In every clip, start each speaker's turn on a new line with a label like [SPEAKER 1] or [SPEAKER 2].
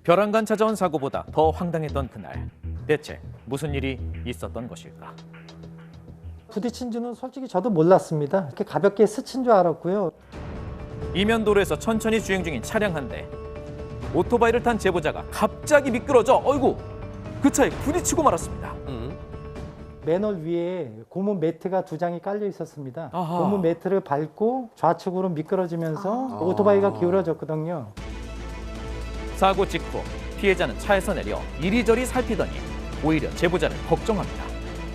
[SPEAKER 1] 벼랑간 찾아온 사고보다 더 황당했던 그날. 대체 무슨 일이 있었던 것일까?
[SPEAKER 2] 부딪힌 줄은 솔직히 저도 몰랐습니다. 이렇게 가볍게 스친 줄 알았고요.
[SPEAKER 1] 이면도로에서 천천히 주행 중인 차량 한 대. 오토바이를 탄 제보자가 갑자기 미끄러져 어이구 그 차에 부딪히고 말았습니다.
[SPEAKER 2] 맨홀 위에 고무 매트가 2장이 깔려 있었습니다.
[SPEAKER 1] 아하.
[SPEAKER 2] 고무 매트를 밟고 좌측으로 미끄러지면서 오토바이가 기울어졌거든요.
[SPEAKER 1] 사고 직후 피해자는 차에서 내려 이리저리 살피더니 오히려 제보자를 걱정합니다.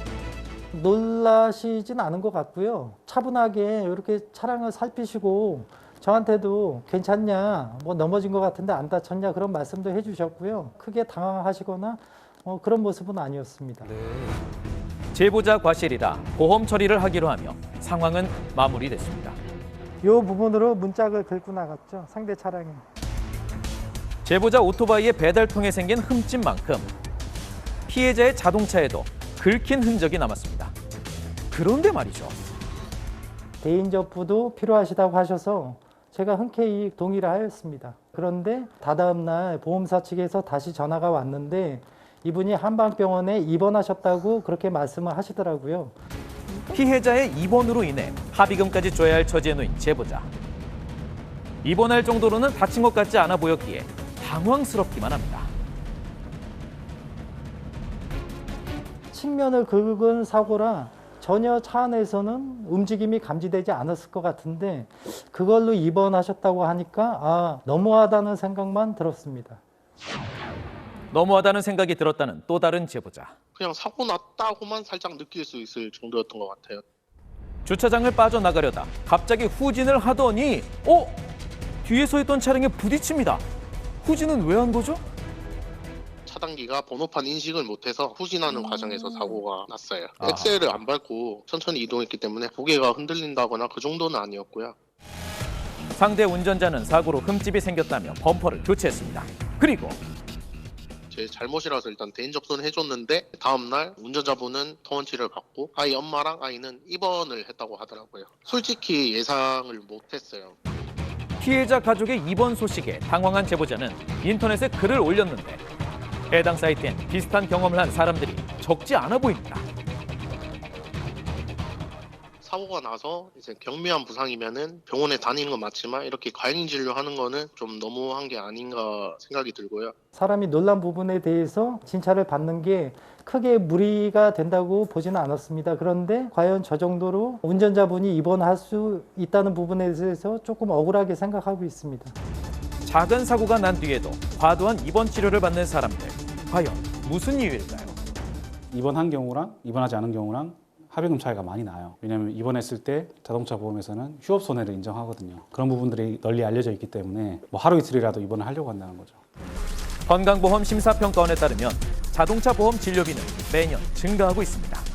[SPEAKER 2] 놀라시진 않은 것 같고요. 차분하게 이렇게 차량을 살피시고 저한테도 괜찮냐, 뭐 넘어진 것 같은데 안 다쳤냐 그런 말씀도 해주셨고요. 크게 당황하시거나 그런 모습은 아니었습니다.
[SPEAKER 1] 제보자 과실이라 보험 처리를 하기로 하며 상황은 마무리됐습니다.
[SPEAKER 2] 이 부분으로 문짝을 긁고 나갔죠. 상대 차량이.
[SPEAKER 1] 제보자 오토바이의 배달통에 생긴 흠집만큼 피해자의 자동차에도 긁힌 흔적이 남았습니다. 그런데 말이죠.
[SPEAKER 2] 대인접부도 필요하시다고 하셔서 제가 흔쾌히 동의를 하였습니다. 그런데 다다음 날 보험사 측에서 다시 전화가 왔는데 이분이 한방병원에 입원하셨다고 그렇게 말씀을 하시더라고요.
[SPEAKER 1] 피해자의 입원으로 인해 합의금까지 줘야 할 처지에 놓인 제보자. 입원할 정도로는 다친 것 같지 않아 보였기에 당황스럽기만 합니다.
[SPEAKER 2] 측면을 긁은 사고라 전혀 차 안에서는 움직임이 감지되지 않았을 것 같은데 그걸로 입원하셨다고 하니까 너무하다는 생각만 들었습니다.
[SPEAKER 1] 너무하다는 생각이 들었다는 또 다른 제보자.
[SPEAKER 3] 그냥 사고 났다고만 살짝 느낄 수 있을 정도였던 것 같아요.
[SPEAKER 1] 주차장을 빠져나가려다 갑자기 후진을 하더니 뒤에서 있던 차량에 부딪힙니다. 후진은 왜 한 거죠?
[SPEAKER 3] 차단기가 번호판 인식을 못해서 후진하는 과정에서 사고가 났어요. 엑셀을 안 밟고 천천히 이동했기 때문에 고개가 흔들린다거나 그 정도는 아니었고요.
[SPEAKER 1] 상대 운전자는 사고로 흠집이 생겼다며 범퍼를 교체했습니다. 그리고
[SPEAKER 3] 제 잘못이라서 일단 대인 접수는 해줬는데 다음날 운전자분은 통원치를 받고 아이 엄마랑 아이는 입원을 했다고 하더라고요. 솔직히 예상을 못했어요.
[SPEAKER 1] 피해자 가족의 입원 소식에 당황한 제보자는 인터넷에 글을 올렸는데 해당 사이트엔 비슷한 경험을 한 사람들이 적지 않아 보입니다.
[SPEAKER 3] 사고가 나서 이제 경미한 부상이면은 병원에 다니는 건 맞지만 이렇게 과잉 진료하는 거는 좀 너무한 게 아닌가 생각이 들고요.
[SPEAKER 2] 사람이 놀란 부분에 대해서 진찰을 받는 게 크게 무리가 된다고 보지는 않았습니다. 그런데 과연 저 정도로 운전자분이 입원할 수 있다는 부분에 대해서 조금 억울하게 생각하고 있습니다.
[SPEAKER 1] 작은 사고가 난 뒤에도 과도한 입원 치료를 받는 사람들. 과연 무슨 이유일까요?
[SPEAKER 4] 입원한 경우랑 입원하지 않은 경우랑 합의금 차이가 많이 나요. 왜냐하면 입원했을 때 자동차 보험에서는 휴업 손해를 인정하거든요. 그런 부분들이 널리 알려져 있기 때문에 하루 이틀이라도 입원을 하려고 한다는 거죠.
[SPEAKER 1] 건강보험 심사평가원에 따르면 자동차 보험 진료비는 매년 증가하고 있습니다.